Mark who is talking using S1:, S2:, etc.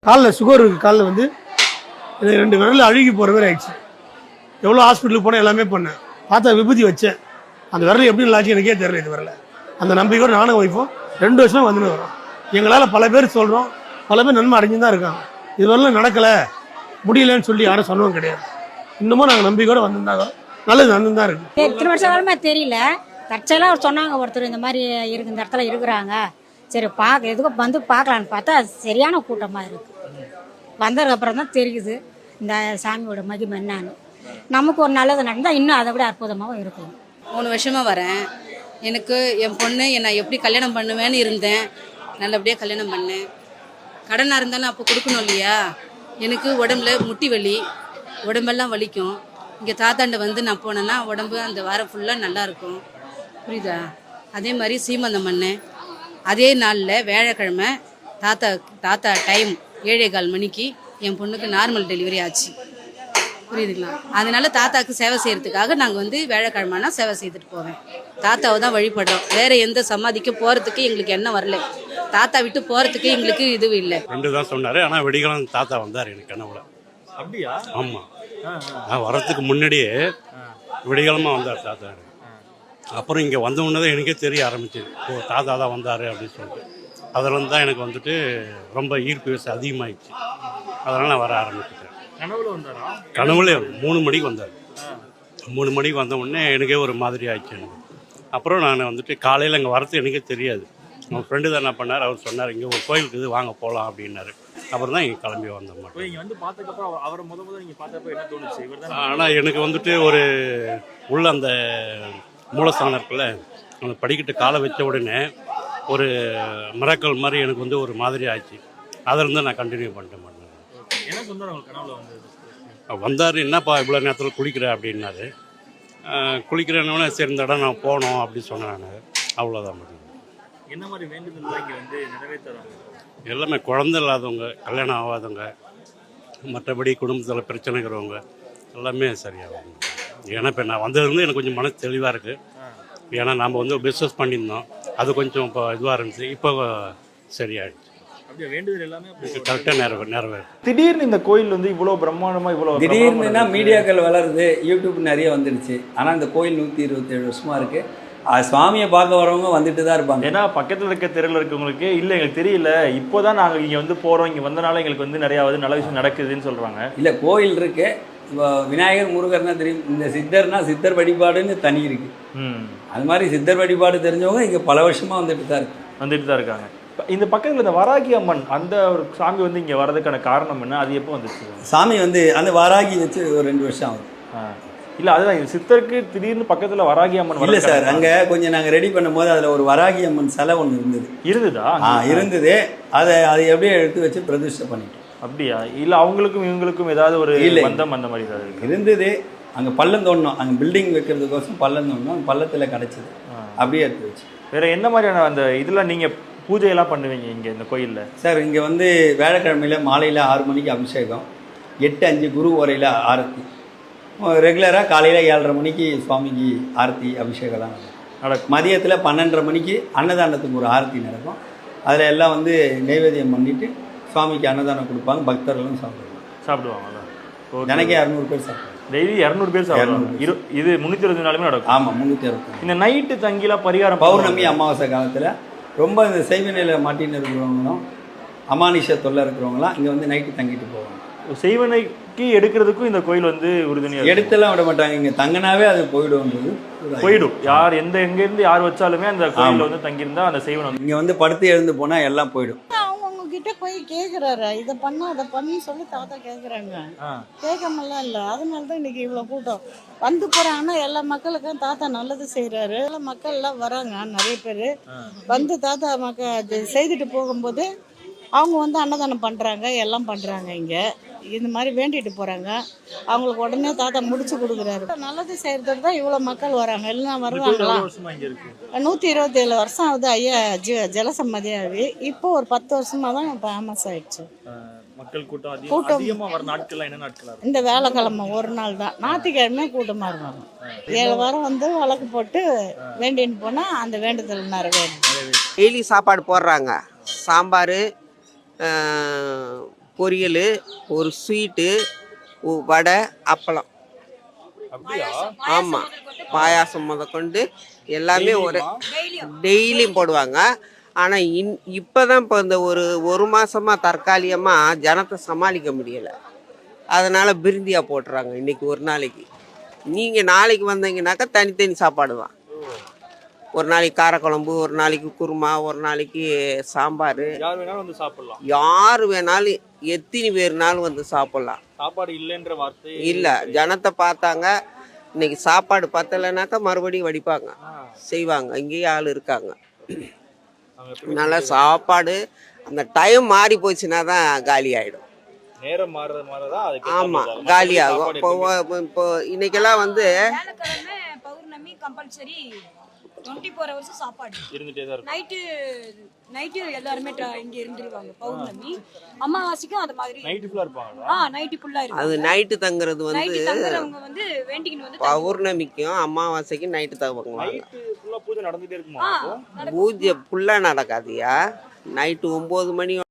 S1: காலில் சுகர் இருக்குது. காலில் வந்து எனக்கு 2 விரல் அழுகி போகிற மாதிரி ஆயிடுச்சு. எவ்வளோ ஹாஸ்பிட்டலுக்கு போனேன், எல்லாமே பண்ணேன். பார்த்தா விபூதி வச்சேன். அந்த விரல் எப்படி நல்லாச்சு எனக்கே தெரியல. இது வரல அந்த நம்பிக்கையோடு நானும் வைப்போம் 2 வருஷமாக வந்துன்னு வரோம். எங்களால் பல பேர் சொல்கிறோம், பல பேர் நன்மை அடைஞ்சு தான் இருக்காங்க. இது வரலாம் நடக்கலை முடியலன்னு சொல்லி யாரும் சொன்னவும் கிடையாது. இன்னமும் நாங்கள் நம்பிக்கையோடு வந்துருந்தாங்க. நல்லது நடந்து தான் இருக்குது.
S2: இத்தனை வருஷம் காலமே தெரியல. தற்செயலாக சொன்னாங்க ஒருத்தர் இந்த மாதிரி இருக்கு, இந்த இடத்துல இருக்கிறாங்க, சரி பார்க்க எதுக்கும் வந்து பார்க்கலான்னு பார்த்தா சரியான கூட்டமாக இருக்குது. வந்ததுக்கு அப்புறம் தான் தெரியுது இந்த சாமியோட மகிமை என்னன்னு. நமக்கு ஒரு நல்லது நடந்தால் இன்னும் அதை விட அற்புதமாகவும் இருக்கும்.
S3: 3 வருஷமாக வரேன். எனக்கு என் பொண்ணு என்னை எப்படி கல்யாணம் பண்ணுவேன்னு இருந்தேன். நல்லபடியாக கல்யாணம் பண்ணேன். கடனாக இருந்தாலும் அப்போ கொடுக்கணும் இல்லையா. எனக்கு உடம்புல முட்டி வலி, உடம்பெல்லாம் வலிக்கும். இங்கே தாத்தாண்ட வந்து நான் போனேன்னா உடம்பு அந்த வாரம் ஃபுல்லாக நல்லாயிருக்கும். புரியுதா? அதே மாதிரி சீமந்தம் பண்ணேன். அதே நாளில் வியாழக்கிழமை தாத்தா டைம் 7:15 மணிக்கு என் பொண்ணுக்கு நார்மல் டெலிவரி ஆச்சு. புரியுதுங்களா? அதனால தாத்தாவுக்கு சேவை செய்கிறதுக்காக நாங்கள் வந்து வியாழக்கிழமைனா சேவை செய்துட்டு போவேன். தாத்தாவை தான் வழிபடுறோம். வேறு எந்த சமாதிக்கு போகிறதுக்கு எங்களுக்கு என்ன வரல. தாத்தா விட்டு போகிறதுக்கு எங்களுக்கு இதுவும் இல்லை.
S4: 2 தான் சொன்னார். ஆனால் வெடிகாலம் தாத்தா வந்தார் எனக்கு கனவுல.
S5: அப்படியா?
S4: ஆமாம், நான் வரத்துக்கு முன்னாடியே வெடிகாலமாக வந்தார் தாத்தா. அப்புறம் இங்கே வந்த உடனே தான் எனக்கே தெரிய ஆரம்பிச்சு, ஓ தாத்தா தான் வந்தார் அப்படின்னு சொல்லிட்டு. அதிலேருந்து தான் எனக்கு வந்துட்டு ரொம்ப ஈர்ப்பு விசை அதிகமாகிடுச்சு. அதனால் நான் வர ஆரம்பிச்சிட்டேன்.
S5: கனவுல வந்தாரா?
S4: கனவுல 3 மணிக்கு வந்தார். 3 மணிக்கு வந்த உடனே எனக்கே ஒரு மாதிரி ஆயிடுச்சு எனக்கு. அப்புறம் நான் வந்துட்டு காலையில் இங்கே வரது எனக்கே தெரியாது. உங்கள் ஃப்ரெண்டு தான் என்ன பண்ணார், அவர் சொன்னார் இங்கே ஒரு கோயிலுக்கு இது வாங்க போகலாம் அப்படின்னாரு. அப்புறம் தான் இங்கே கிளம்பி வந்த மாட்டோம்.
S5: இங்கே வந்து பார்த்ததுக்கப்புறம் அவரை முதல்ல நீங்கள் பார்த்தப்ப என்ன தோணுச்சு? இவர் தான்.
S4: ஆனால் எனக்கு வந்துட்டு ஒரு உள்ள அந்த மூலஸ்தானம் இருக்குல்ல, அந்த படிக்கட்டு காலை வச்ச உடனே ஒரு மிராக்கல் மாதிரி எனக்கு வந்து ஒரு மாதிரி ஆச்சு. அதிலிருந்து நான் கண்டினியூ பண்ணிட்டு மாட்டேன்.
S5: என்ன சொன்னார் உங்களுக்கு கனவுல வந்து?
S4: வந்தார், என்னப்பா இவ்வளோ நேரத்தில் குளிக்கிறேன் அப்படின்னாரு. குளிக்கிறேன்னே சரி இந்த இடம் நான் போனோம் அப்படின்னு சொன்னேன் நான். அவ்வளோதான் முடியும்.
S5: என்ன மாதிரி வேண்டுதல் இங்கே வந்து நிறைவேற்றுறாங்க?
S4: எல்லாமே குழந்தை இல்லாதவங்க, கல்யாணம் ஆகாதவங்க, மற்றபடி குடும்பத்தில் பிரச்சனை இருக்கிறவங்க எல்லாமே சரியாகும். ஏன்னா இப்போ நான் வந்ததுலேருந்து எனக்கு கொஞ்சம் மனசு தெளிவாக இருக்குது. ஏன்னா நாம் வந்து பிஸ்னஸ் பண்ணியிருந்தோம், அது கொஞ்சம் இப்போ இதுவாக இருந்துச்சு. இப்போ சரியாயிடுச்சு.
S5: அப்படியே வேண்டுதல் எல்லாமே
S4: கரெக்டாக நிறைவேறு.
S5: திடீர்னு இந்த கோயில் வந்து இவ்வளோ பிரம்மாண்டமாக இவ்வளோ
S6: திடீர்னுனா மீடியாக்கள் வளருது, யூடியூப் நிறைய வந்துடுச்சு. ஆனால் இந்த கோயில் 127 வருஷமாக இருக்குது. சுவாமியை பார்க்க வரவங்க வந்துட்டு தான் இருப்பாங்க.
S5: ஏன்னா பக்கத்தில் இருக்க தெருவில் இருக்கவங்களுக்கு இல்லை எங்களுக்கு தெரியல, இப்போ தான் நாங்கள் இங்கே வந்து போகிறோம், இங்கே வந்தனால எங்களுக்கு வந்து நிறையாவது நல்ல விஷயம் நடக்குதுன்னு சொல்கிறாங்க.
S6: இல்லை, கோயில் இருக்கு. இப்போ விநாயகர் முருகர்னா தெரியும், இந்த சித்தர்னா சித்தர் வழிபாடுன்னு தனி இருக்கு. அது மாதிரி சித்தர் வழிபாடு தெரிஞ்சவங்க இங்கே பல வருஷமாக வந்துட்டு தான் இருக்காங்க. இந்த பக்கத்தில் இந்த வராகி அம்மன் அந்த ஒரு சாமி வந்து இங்கே வர்றதுக்கான காரணம் என்ன? அது எப்போ வந்துச்சு? சாமி வந்து அந்த வராகி வச்சு ஒரு 2 வருஷம் ஆகுது.
S5: இல்லை, அதுதான் சித்தருக்கு திடீர்னு பக்கத்தில் வராகி அம்மன்
S6: இல்லை சார், அங்கே கொஞ்சம் நாங்கள் ரெடி பண்ணும்போது அதில் ஒரு வராகி அம்மன் சிலை ஒன்று இருந்ததா? இருந்தது. அதை எப்படியே எடுத்து வச்சு பிரதிஷ்டை பண்ணிட்டோம்.
S5: அப்படியா? இல்லை அவங்களுக்கும் இவங்களுக்கும் ஏதாவது ஒரு பந்தம் அந்த மாதிரி ஏதாவது
S6: இருந்தது? அங்கே பள்ளம் தோண்டணும், அங்கே பில்டிங் வைக்கிறதுக்கோசம் பள்ளம் தோண்டணும், பள்ளத்தில் கிடச்சிது, அப்படியே எடுத்து வச்சு.
S5: வேறு என்ன மாதிரியான அந்த இதெல்லாம் நீங்கள் பூஜையெல்லாம் பண்ணுவீங்க இங்கே இந்த கோயிலில்?
S6: சார், இங்கே வந்து வியாழக்கிழமையில் மாலையில் 6 மணிக்கு அபிஷேகம், 8:05 குரு உரையில் ஆரத்தி, ரெகுலராக காலையில் 7:30 மணிக்கு சுவாமிக்கு ஆரத்தி அபிஷேகம்லாம் நடக்கும். மதியத்தில் 12:30 மணிக்கு அன்னதானத்துக்கு ஒரு ஆரத்தி நடக்கும். அதில் எல்லாம் வந்து நைவேத்தியம் பண்ணிவிட்டு சுவாமிக்கு அன்னதானம் கொடுப்பாங்க. பக்தர்களும்
S5: சாப்பிடுவாங்களா?
S6: எனக்கு 200 பேர் சாப்பிடுவாங்க.
S5: டெய்லி 200 பேர் சாப்பிடுவாங்க. இது 360 நாளுமே நடக்கும்.
S6: ஆமாம், 360.
S5: இந்த நைட்டு தங்கிலாம் பரிகாரம்
S6: பௌர்ணமி அமாவாசை காலத்தில் ரொம்ப இந்த செய்வ நிலையில் மாட்டின்னு இருக்கிறவங்களும் அமானுஷ தொல்லை இருக்கிறவங்களாம் இங்கே வந்து நைட்டு தங்கிட்டு போவாங்க.
S5: செய்வனைக்கு எடுக்கிறதுக்கும் இந்த கோயில் வந்து உறுதுணையாக
S6: எடுத்தெல்லாம் விட மாட்டாங்க. இங்கே தங்கினாவே அது போயிடும்.
S5: யார் எங்கேருந்து யார் வச்சாலுமே அந்த கோயிலில் வந்து தங்கியிருந்தா அந்த செய்வனை
S6: இங்கே வந்து படுத்து எழுந்து போனால் எல்லாம் போயிடும்.
S7: அவங்க கிட்ட போய் கேட்குறாரு, இதை பண்ண அதை பண்ணி சொல்லி தாத்தா கேட்குறாங்க. கேட்காமலாம் இல்லை. அதனால தான் இன்னைக்கு இவ்வளோ கூட்டம் வந்து போகிறாங்கன்னா எல்லா மக்களுக்கும் தாத்தா நல்லது செய்கிறாரு. எல்லா மக்கள் எல்லாம் வராங்க. நிறைய பேர் வந்து தாத்தா செய்துட்டு போகும்போது அவங்க வந்து அன்னதானம் பண்ணுறாங்க, எல்லாம் பண்ணுறாங்க. இங்கே இந்த மாதிரி வேண்டிட்டு போகிறாங்க. அவங்களுக்கு உடனே தாத்தா முடிச்சு கொடுக்குறாரு. நல்லது செய்கிறதுக்கு தான் இவ்வளோ மக்கள் வராங்க. எல்லாம் வருவாங்களா? 127 வருஷம் ஆகுது ஐயா ஜலசம்மதியாகி. இப்போ ஒரு 10 வருஷமாக தான் ஃபேமஸ் ஆயிடுச்சு.
S5: மக்கள் கூட்டம் அதிகமாக வர நாட்கள்லாம் என்ன நாட்கள்?
S7: இந்த வேலைக்கிழமை ஒரு நாள் தான், ஞாயிற்றுக்கிழமை கூட்டமாக இருக்காங்க. 7 வாரம் வந்து வழக்கு போட்டு வேண்டின்னு போனால் அந்த வேண்டுதல் நிறைவேறும்.
S8: டெய்லி சாப்பாடு போடுறாங்க. சாம்பார், பொரியல், ஒரு ஸ்வீட்டு, வடை, அப்பளம்.
S5: அப்படியா?
S8: ஆமாம், பாயாசம் முதற்கொண்டு எல்லாமே ஒரு டெய்லியும் போடுவாங்க. ஆனால் இப்போ தான் இப்போ இந்த ஒரு மாதமாக தற்காலிகமாக ஜனத்தை சமாளிக்க முடியலை. அதனால் பிரிந்தியாக போட்டுறாங்க இன்றைக்கி ஒரு நாளைக்கு. நீங்கள் நாளைக்கு வந்தீங்கன்னாக்கா தனித்தனி சாப்பாடு தான். ஒரு நாளைக்கு காரக்குழம்பு, ஒரு நாளைக்கு குருமா, ஒரு நாளைக்கு சாம்பார்.
S5: யார் வேணாலும் வந்து சாப்பிடலாம்.
S8: யார் வேணாலும் எத்தனை பேர்னாலும் வந்து சாப்பிட்லாம்.
S5: சாப்பாடு இல்லைன்ற வார்த்தை
S8: இல்லை, ஜனத்தை பார்த்தாங்க. இன்னைக்கு சாப்பாடு பத்தலைனாக்கா மறுபடியும் வடிப்பாங்க, செய்வாங்க. இங்கேயே ஆள் இருக்காங்க. நல்லா சாப்பாடு. அந்த டைம் மாறி போச்சுன்னா தான் காலி ஆகிடும்.
S5: நேரம் மாறதான் அது.
S8: ஆமாம், காலி ஆகும். இப்போ இன்னைக்கெல்லாம் வந்து
S9: வியாழக்கிழமை பௌர்ணமி கம்பல்சரி 24 hours சாப்பாடு
S5: இருந்துட்டே தான் இருக்கும்.
S9: நைட்டு எல்லாருமே இங்க இருந்துருவாங்க. பௌர்ணமி அமாவாசைக்கும் அது மாதிரி
S5: நைட்டு ஃபுல்லா இருப்பாங்களா?
S9: நைட்டு ஃபுல்லா இருக்கும்.
S8: அது நைட்டு தங்குறது வந்து
S9: நைட்டு தங்குறவங்க வந்து வேண்டிக்கின்னு வந்து
S8: பௌர்ணமிக்கும் அமாவாசைக்கும் நைட்டு தங்குவாங்க.
S5: நைட்டு ஃபுல்லா பூஜை நடந்துட்டே இருக்குமா?
S8: பூஜை ஃபுல்லாக நடக்காதியா. நைட்டு 9 மணி